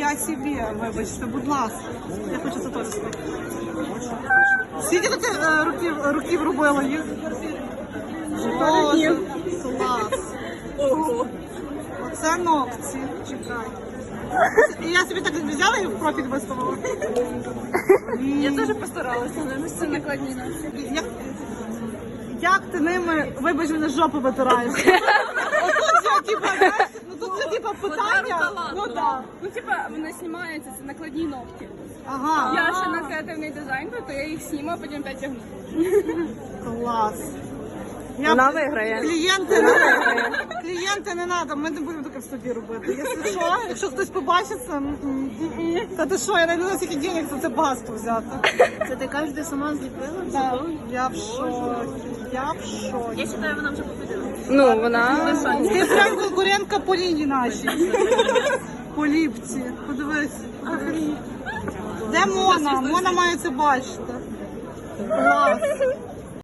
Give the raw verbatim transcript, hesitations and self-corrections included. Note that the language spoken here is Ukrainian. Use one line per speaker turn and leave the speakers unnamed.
я собі, вибачте, будь ласка. Я хочу це теж спити. Скільки ти е, років, років робила їх? Боже, клас.
Ого.
Оце ногті. Чекай. І я собі так взяла і в профіль виставила.
Я теж постаралася, але це накладні ногті.
Як, як ти ними, вибач, мене жопу витираєш? Отут я, типа, знаєш, ну тут це, типа, питання. Ну, да.
Ну, типа, вони знімаються, це накладні ногті.
Ага.
Я ще на креативний дизайн, то я їх знімаю, потім опять тягну.
Клас. Я
Вона виграє.
Клієнти не клієнти не треба, ми не будемо таке в студії робити. Якщо що, якщо хтось побачить це, м, м, м. та ти що, я не знаю, скільки денег за це багатство взяти.
Це ти кажеш, ти сама зліпила?
Так, я в шокі, я в шокі.
Я вважаю, вона вже победила.
Ну, вона...
Ти прям конкурентка по лінії нашій. По ліпці. Подивись. Де Мона? Мона має це бачити. Клас.